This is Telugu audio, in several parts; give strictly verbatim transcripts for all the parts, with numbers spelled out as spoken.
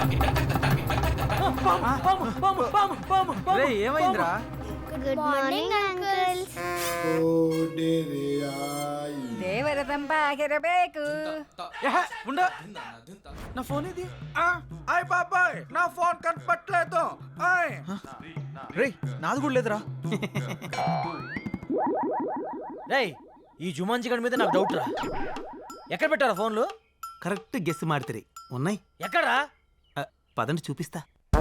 ఏమైందిరా? Good morning uncles. ದೇವರ ತಂಪಾಗಿರಬೇಕು. ఉండ నా ఫోన్ ఇది. అయ్ బాబాయ్ నా ఫోన్ కనపట్లేదు. రే నాది కూడా లేదురా. రేయ్ ఈ జుమాన్జీ గడి మీద నాకు డౌట్ రా. ఎక్కడ పెట్టారా ఫోన్లు? కరెక్ట్ గెస్ మాడితే ఉన్నాయి. ఎక్కడా? పదండి చూపిస్తా.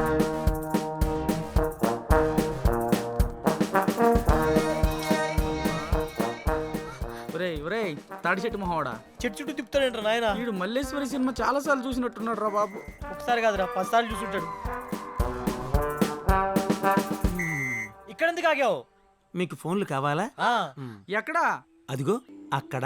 ఒరేయ్ ఒరేయ్ తాడి చెట్టు మొహవాడా, చెట్టు చుట్టూ తిప్పుతాడేంట్రా నాయన? వీడు మల్లేశ్వరి సినిమా చాలా సార్లు చూసినట్టున్నాడు రా బాబు. ఒకసారి కాదురా పది సార్లు చూసుంటాడు. ఇక్కడ ఎందుకు ఆగావు? మీకు ఫోన్లు కావాలా? ఆ, ఎక్కడా? అదిగో అక్కడ.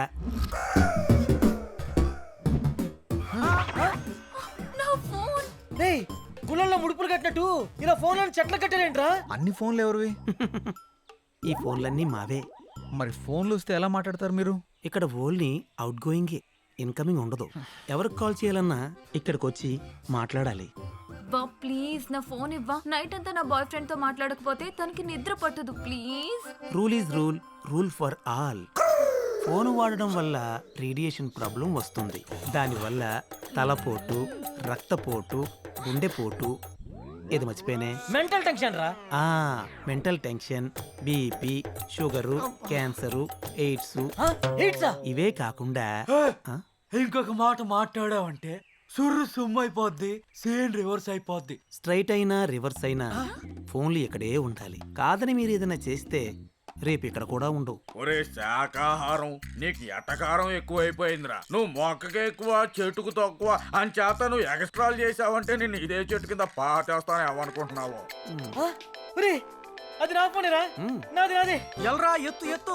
రేయ్ గుళ్ళల్లో ముడుపులు కట్టినట్టు ఇలా ఫోన్లను చెట్లు కట్టారేంట్రా? అన్ని ఫోన్లు ఎవరివి? ఈ ఫోన్లన్నీ మావే. మరి ఫోన్లు వస్తే ఎలా మాట్లాడతారు మీరు? ఇక్కడ ఓన్లీ అవుట్ గోయింగే, ఇన్కమింగ్ ఉండదు. ఎవరికి కాల్ చేయాలన్నా ఇక్కడికి వచ్చి మాట్లాడాలి. బా ప్లీజ్ నా ఫోన్ ఇవ్వా. నైట్ అంతా నా బాయ్ ఫ్రెండ్ తో మాట్లాడకపోతే తనకి నిద్ర పట్టదు please. Rule is rule, rule for all. Phone వాడడం వల్ల రేడియేషన్ ప్రాబ్లం వస్తుంది. దానివల్ల తలపోటు, రక్తపోటు, గుండెపోటు, ఇది మర్చిపోయినే మెంటల్ టెన్షన్ రా. ఆ mental tension, BP, sugar, cancer, AIDS, ఎయిడ్సా? ఇవే కాకుండా ఆ? ఇంకొక మాట మాట్లాడావంటే సుర్రు సుమ్ము అయిపోద్ది, సేన్ రివర్స్ అయిపోద్ది. స్ట్రైట్ అయినా రివర్స్ అయినా ఫోన్లు ఇక్కడే ఉండాలి. కాదని మీరు ఏదైనా చేస్తే రేపు ఇక్కడ కూడా ఉండవు. ఒరే శాకాహారం నీకు ఎటకారం ఎక్కువైపోయిందిరా. నువ్వు మొక్కకి ఎక్కువ చెట్టుకు తక్కువ అని చేత నువ్వు ఎక్స్ట్రాలు చేసావంటే నేను ఇదే చెట్టు కింద పాటేస్తాను ఏమనుకుంటున్నావు? ఒరే అది నా ఫోనేరా. నాది నాది. ఎల్రా ఎత్తు ఎత్తు.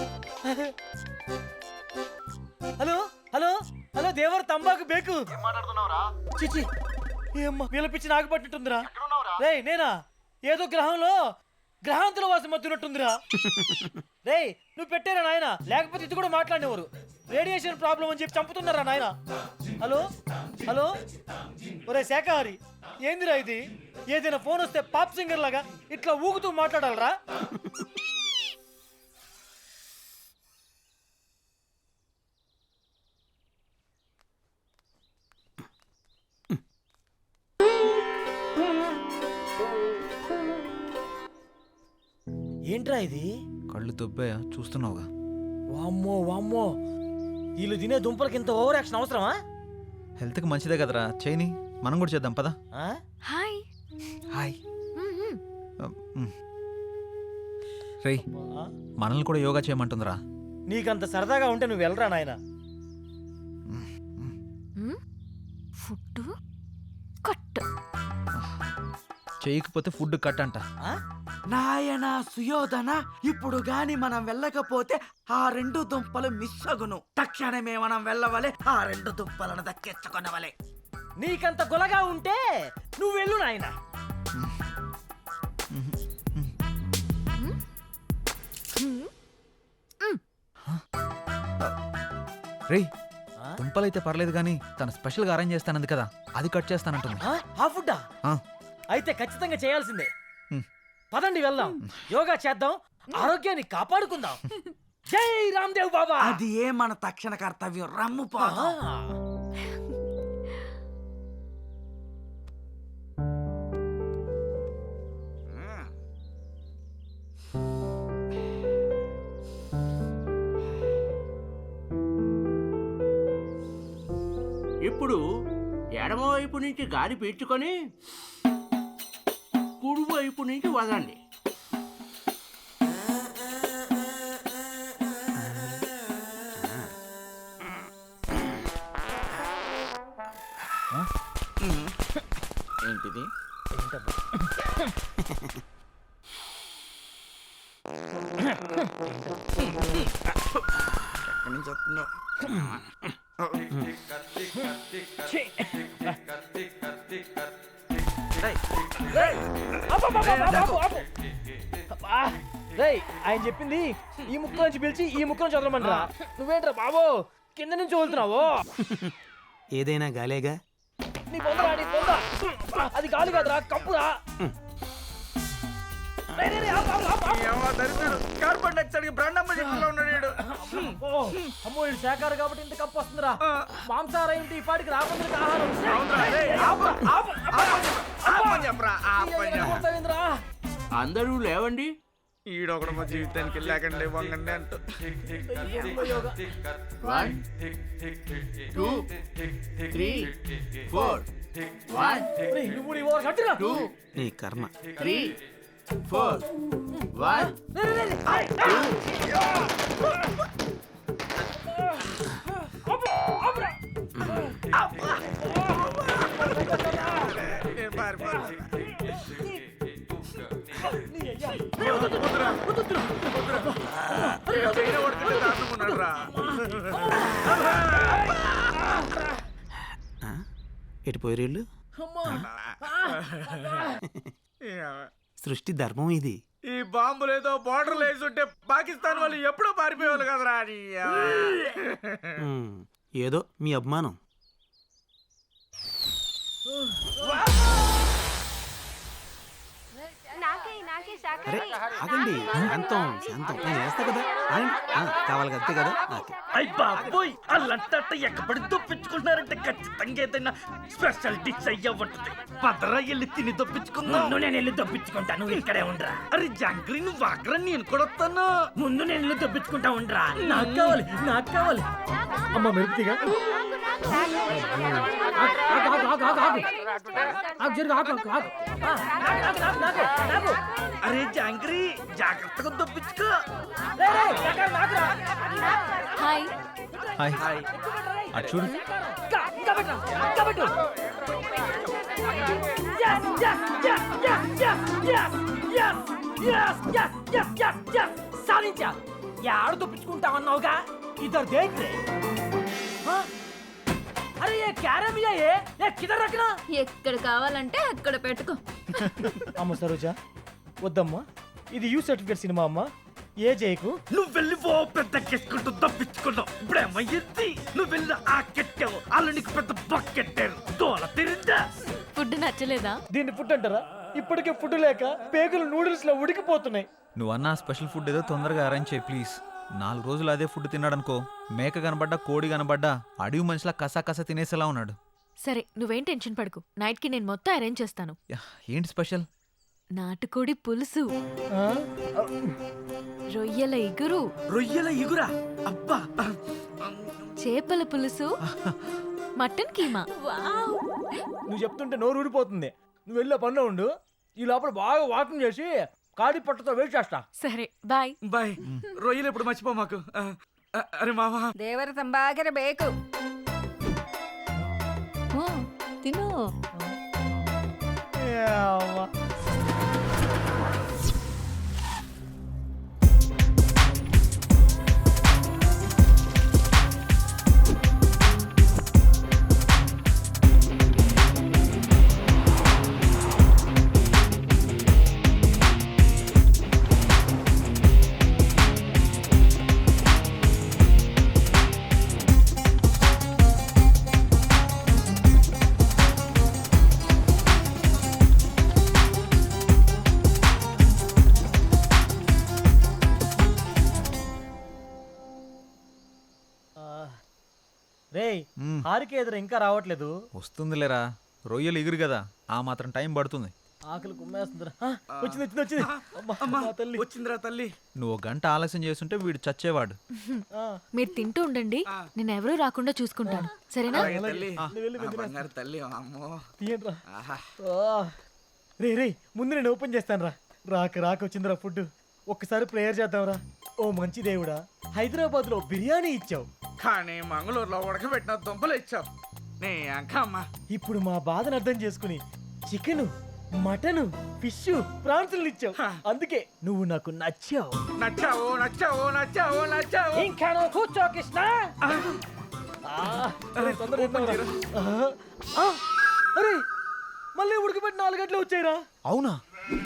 హలో హలో హలో దేవర్ తంబాకు బేకు. చిచి ఏమ్మా వీళ్ళ పిచ్చి నాకు పట్టినట్టుందిరా. రేయ్ నేనా ఏదో గ్రహంలో గ్రహాంతుల వాసం మత్తున్నట్టుందిరా. రేయ్ నువ్వు పెట్టారా నాయన, లేకపోతే ఇది కూడా మాట్లాడేవారు. రేడియేషన్ ప్రాబ్లం అని చెప్పి చంపుతున్నారా నాయన. హలో హలో ఒరే శాఖహారి ఏందిరా ఇది? ఏదైనా ఫోన్ వస్తే పాప్ సింగర్ లాగా ఇట్లా ఊగుతూ మాట్లాడాలరా? ఏంట్రా ఇది? కళ్ళు దొబ్బాయా చూస్తున్నావుగా. వామ్మో వామ్మో వీళ్ళు తినే దుంపలకి ఇంత ఓవర్ యాక్షన్ అవసరమా? హెల్త్కి మంచిదే కదరా, చేయని మనం కూడా చేద్దాం పదా. ఆ? హాయ్. హాయ్. రేయ్ మనల్ని కూడా యోగా చేయమంటుందిరా. నీకంత సరదాగా ఉంటే నువ్వు వెళ్ళరా నాయన. Food cut. చేయకపోతే ఫుడ్ కట్ అంట. నాయనా సుయోధన, ఇప్పుడు గాని మనం వెళ్ళకపోతే ఆ రెండు దుంపలు మిస్ అగును. తక్షణమే మనం వెళ్ళవలే, ఆ రెండు దుంపలను దక్కించుకొనవలే. నీకంత గొలగా ఉంటే నువ్వు వెళ్ళు నాయన. రేయ్ దుంపలైతే పర్లేదు కానీ తను స్పెషల్ గా అరేంజ్ చేస్తానంది కదా, అది కట్ చేస్తానంటుంది. ఆ? ఆ ఫుడ్డా? అయితే ఖచ్చితంగా చేయాల్సిందే. పదండి వెళ్దాం, యోగా చేద్దాం, ఆరోగ్యాన్ని కాపాడుకుందాం. జై రామ్దేవ్ బాబా. అది ఏ మన తక్షణ కర్తవ్యం. రమ్ము పోదాం. ఇప్పుడు ఎడమవైపు నుంచి గాలి పీల్చుకొని కుడివైపు నుంచి వదండి. ఏంటిది? ఎక్కడి నుంచి వస్తుందో. ఆయన చెప్పింది ఈ ముక్క నుంచి పిలిచి ఈ ముక్క నుంచి వదలమనరా. నువ్వేంట్రా బాబు కింద నుంచి వదులుతున్నావు? ఏదైనా గాలేగా. నీ పొందరా నీ పొందరా అది గాలి కాదురా కంపురా రేయ్, రేయ్, రేయ్, ఆపు, ఆపు, ఆపు, ఆపు. ఏమో దరిద్రుడు. కార్బన్ డైఆక్సైడ్ కి బ్రాండమ్మ చెట్టులో ఉన్నాడు వీడు. ఓ, అమ్మో ఇది శాఖారు కాబట్టి ఇంత కప్పు వస్తుందిరా మాంసాహారం ఏంటి ఈ పాటికి రాకుండా ఆహారం అవునురా, రేయ్, ఆపు, ఆపు, ఆపని చెప్పరా, ఆపని చెప్పరా, ఆపని చెప్పరా. పోతావేంద్రా? అందరూ లేవండి. ఈడొకడు మా జీవితానికి లేకండి వంగండి అంటూ one two three four one రేయ్, నువ్వు నీ ఓవర్ కట్టురా. టూ నీ కర్మ. త్రీ ఫోర్ వన్ రేయ్, రేయ్, రేయ్, ఆయ్, ఆపు, ఆపురా. నేను పారిపోతాను. నీ అయ్యా. చైనా కొడుకుంటే దాటుకున్నాడు రా. ఎటు పోయి వీళ్ళు? అమ్మా. సృష్టి ధర్మం ఇది. ఈ బాంబులు ఏదో బార్డర్ వేసి ఉంటే పాకిస్తాన్ వాళ్ళు ఎప్పుడో పారిపోయేవాళ్ళు కదరా నీ అవ్వ. ఉమ్, ఏదో మీ అభిమానం. నాకే నాకే అరే శాఖని ఆగండి, శాంతం శాంతం. నేను వేస్తా కదా, ఆగండి. ఆ, కావాలి కదా, అంతే కదా. ఓకే. అయ్ బాబోయ్ అల్లంటే ఎక్కబడి దొప్పించుకుంటున్నారంటే ఖచ్చితంగా ఏదైనా స్పెషల్ డిష్ అయ్యా ఉంటుంది పదరా వెళ్ళి తిని దొప్పించుకుందాం. ముందు నేను వెళ్ళి దొప్పించుకుంటా నువ్వు ఇక్కడే ఉండరా. అరే జంగ్రీ నువ్వు అక్కడ నేను కూడా వస్తాను. ముందు నేను వెళ్ళి దొప్పించుకుంటా ఉండరా. నాకు కావాలి నాకు కావాలి. అమ్మ మెరుపుతిగా అరే జంగ్రీ జాగ్రత్తగా దొప్పించుకో. హాయ్. హాయ్ అటు చూడు. సాధించా యాడ దొప్పించుకుంటా అన్నావుగా ఇద్దరు దేంట్రే. అరే ఏ క్యారమియా ఏ ఏ కిదర్ రఖనా. ఎక్కడ కావాలంటే అక్కడ పెట్టుకో. అమ్మ సరోజా వద్దమ్మా ఇది యూ సర్టిఫికేట్ సినిమా అమ్మా ఏ చేయకు. నువ్వు వెళ్ళి ఓ పెద్ద కెట్టుకుంటూ తప్పించుకున్నావు. ఇప్పుడేమయ్యింది నువ్వు వెళ్ళి ఆ కెట్టావు వాళ్ళు నీకు పెద్ద బకెట్టారు దోల తిరిందా. ఫుడ్ నచ్చలేదా? దీన్ని ఫుడ్ అంటారా ఇప్పటికే ఫుడ్ లేక పేగులు నూడిల్స్ లో ఉడికిపోతున్నాయి. నువ్వు అన్న స్పెషల్ ఫుడ్ ఏదో తొందరగా అరేంజ్ చేయి ప్లీజ్. నాలుగు రోజులు అదే ఫుడ్ తిన్నాడనుకో, మేక కనబడ్డా కోడి కనబడ్డా అడవి మనిషిలా కసా కసా తినేసేలా ఉన్నాడు. సరే నువ్వేం టెన్షన్ పడకు, నైట్ కి నేను మొత్తం అరేంజ్ చేస్తాను. యా, ఏంటి స్పెషల్? నాటుకోడి పులుసు, ఆ? రొయ్యల ఇగురు, రొయ్యల ఇగురా అబ్బా. చేపల పులుసు, మటన్ కీమా. నువ్వు చెప్తుంటే నోరు ఊడిపోతుంది. నువ్వు వెళ్ళే పనిలో ఉండు. ఈ లోపల బాగా వాకింగ్ చేసి కాడి పట్టుతో వెయిట్ చేస్తా. సరే బాయ్. బాయ్. రొయ్యలు ఎప్పుడు మర్చిపో మాకు. ఆ, ఆ, అరే మావా. ದೇವರ ತಂಬಾಗಿರಬೇಕು. తిను. రేయ్ మ్మ్. హారిక ఎదురు ఇంకా రావట్లేదు. వస్తుందిలేరా, రొయ్యలు ఎగురు కదా, ఆ మాత్రం టైం పడుతుంది. ఆకలి కుమ్మేస్తుందిరా. ఆ, వచ్చింది వచ్చింది వచ్చింది. అమ్మా, మా తల్లి. వచ్చిందిరా తల్లి. నువ్వు ఒక గంట ఆలస్యం చేస్తుంటే వీడు చచ్చేవాడు. ఆ, మీరు తింటూ ఉండండి, నేను ఎవరూ రాకుండా చూసుకుంటాను సరేనా? అలాగే తల్లి. నువ్వు వెళ్ళి ఆ వెతికేస్తా. బంగారు తల్లి అమ్మో. తీయండిరా. ఆహా. ఆ. రే రే ముందు నేను ఓపెన్ చేస్తాను రా. రాక రాక వచ్చిందిరా ఫుడ్. ఒక్కసారి ప్రేయర్ చేద్దాంరా. ఓ మంచి దేవుడా, హైదరాబాద్ లో బిర్యానీ ఇచ్చావు, కానీ మంగళూరులో ఉడకబెట్టిన దుంపలు ఇచ్చావు నీ అంకమ్మ. ఇప్పుడు మా బాధను అర్థం చేసుకుని చికెన్ మటన్ ఫిష్ ప్రాన్స్ ఇచ్చావు. అందుకే నువ్వు నాకు నచ్చావు. నచ్చావు నచ్చావు నచ్చావు నచ్చావు. ఇంకా నువ్వు కూర్చో కృష్ణ. ఆ, అరే, తొందరగా ఇద్దాంరా. ఆ, ఆ, అరే మళ్ళీ ఉడకబెట్టి నాలుగు గంటలు వచ్చాయిరా. అవునా?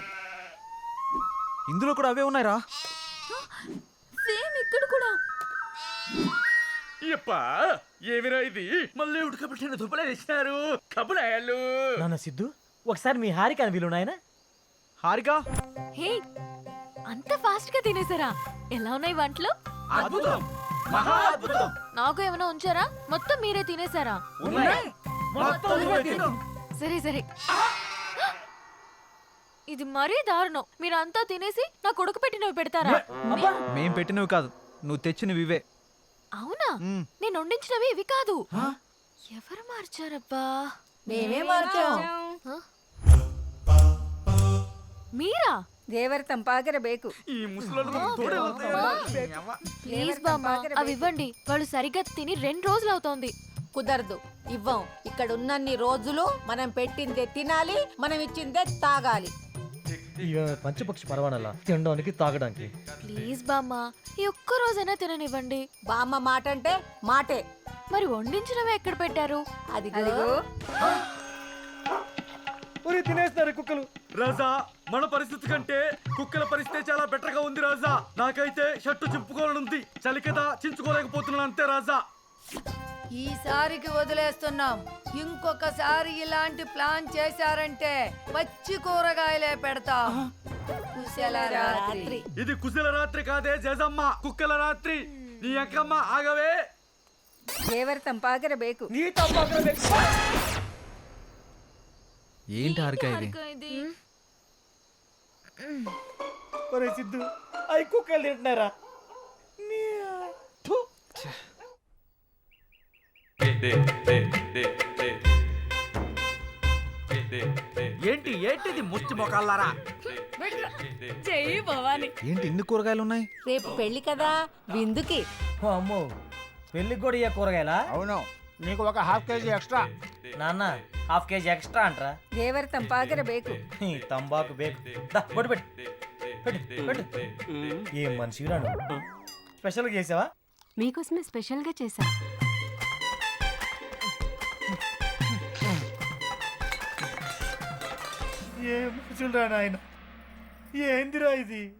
ఇందులో కూడా అవే ఉన్నాయిరా. సేమ్ ఇక్కడ కూడా. ఇప్పా ఏమిరా ఇది మళ్ళీ ఉడకబెట్టిన దుబ్బలే తెచ్చినారు కబులాయాలు. నాన్న సిద్ధు ఒకసారి మీ హారిక అని వీలు నాయన. హారిక హే అంత ఫాస్ట్ గా తినేసారా? ఎలా ఉన్నాయి వంటలు? అద్భుతం, మహా అద్భుతం. నాకు ఏమైనా ఉంచారా? మొత్తం మీరే తినేసారా? ఉన్నాయి. మొత్తం నువ్వే తిను. సరే సరే. ఇది మరీ దారుణం. మీరంతా తినేసి నా కొడుకు పెట్టినవి పెడతారా? మేం పెట్టినవి కాదు, నువ్వు తెచ్చినవి ఇవే. అవునా? నేను వండించినవి ఇవి కాదు. ఎవరు మార్చారబ్బా? మేమే మార్చాం. హ? మీరా? దేవర తంపాకర బేకు ఈ ముసలోళ్ళు మనకు తోడే వస్తాయి. ప్లీజ్ బామ్మ అవి ఇవ్వండి. వాళ్ళు సరిగ్గా తిని రెండు రోజులు అవుతోంది. కుదరదు, ఇవ్వం. ఇక్కడ ఉన్నన్ని రోజులు మనం పెట్టిందే తినాలి, మనం ఇచ్చిందే తాగాలి. ఇక పంచపక్షి పరవాణాల తినడానికి తాగడానికి. ప్లీజ్ బామ్మ ఈ ఒక్క రోజైనా తిననివ్వండి. బామ్మ మాట అంటే మాటే. మరి వండించినవి ఎక్కడ పెట్టారు? అది అదిగో ఒరి తినేస్తారు కుక్కలు. రాజా మన పరిస్థితి కంటే కుక్కల పరిస్థితి చాలా బెటర్ గా ఉంది రాజా. నాకైతే షర్టు చింపుకోవాలనుంది, చలి కదా చించుకోలేకపోతున్నాను అంతే రాజా. ఈసారికి వదిలేస్తున్నాం. ఇంకొకసారి ఇలాంటి ప్లాన్ చేశారంటే పచ్చి కూరగాయలే పెడతాం. కుశల రాత్రి. ఇది కుశల రాత్రి కాదే జజమ్మ, కుక్కల రాత్రి. నీ అక్కమ్మ ఆగవే. దేవర తంపాకర బేకు నీ తప్ప ఏంటి హారిక ఇది? హారిక ఇది. ఒరే సిద్ధు అవి కుక్కలు తింటున్నారా? ఏంటి ఏంటిది ముష్టి మొక్కలారా? చెయ్యి భవాని. ఏంటి ఇన్ని కూరగాయలు ఉన్నాయి? రేపు పెళ్లి కదా, విందుకి. అమ్మో పెళ్ళికి కూడా ఇయ్య కూరగాయలా? అవును, నీకు ఒక హాఫ్ కేజీ ఎక్స్ట్రా. నాన్న హాఫ్ కేజీ ఎక్స్ట్రా అంటరా? దేవర తంపాకర బేకు ఈ తంబాకు బేకు. దా, బొట్టు పెట్టు పెట్టు పెట్టు. ఏం మనిషి రాను. స్పెషల్గా చేసావా? మీకోసమే స్పెషల్ గా చేశా. ఏం మనుషులు రా నాయన. ఏందిరా ఇది?